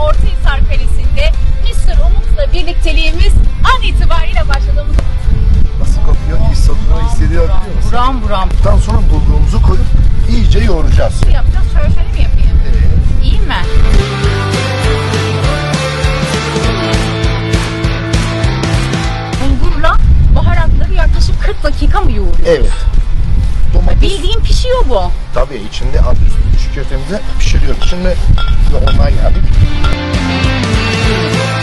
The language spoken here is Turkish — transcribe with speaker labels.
Speaker 1: Ortahisar Kalesi'nde Mr. Umut'la birlikteliğimiz an itibariyle başladığımız.
Speaker 2: Nasıl kokuyor? His tadını hissediyor biliyor musun?
Speaker 1: Buram buram.
Speaker 2: Daha sonra bulgurumuzu koyup iyice yoğuracağız.
Speaker 1: Yapacağız. Şöyle mi yapayım?
Speaker 2: Evet.
Speaker 1: İyi mi? Bulgurla baharatları yaklaşık 40 dakika mı yoğuruyoruz?
Speaker 2: Evet. Domates
Speaker 1: Bildiğin pişiyor bu.
Speaker 2: tabii içinde alt üstü çiğ köftemizi pişiriyoruz. Şimdi normal geldik.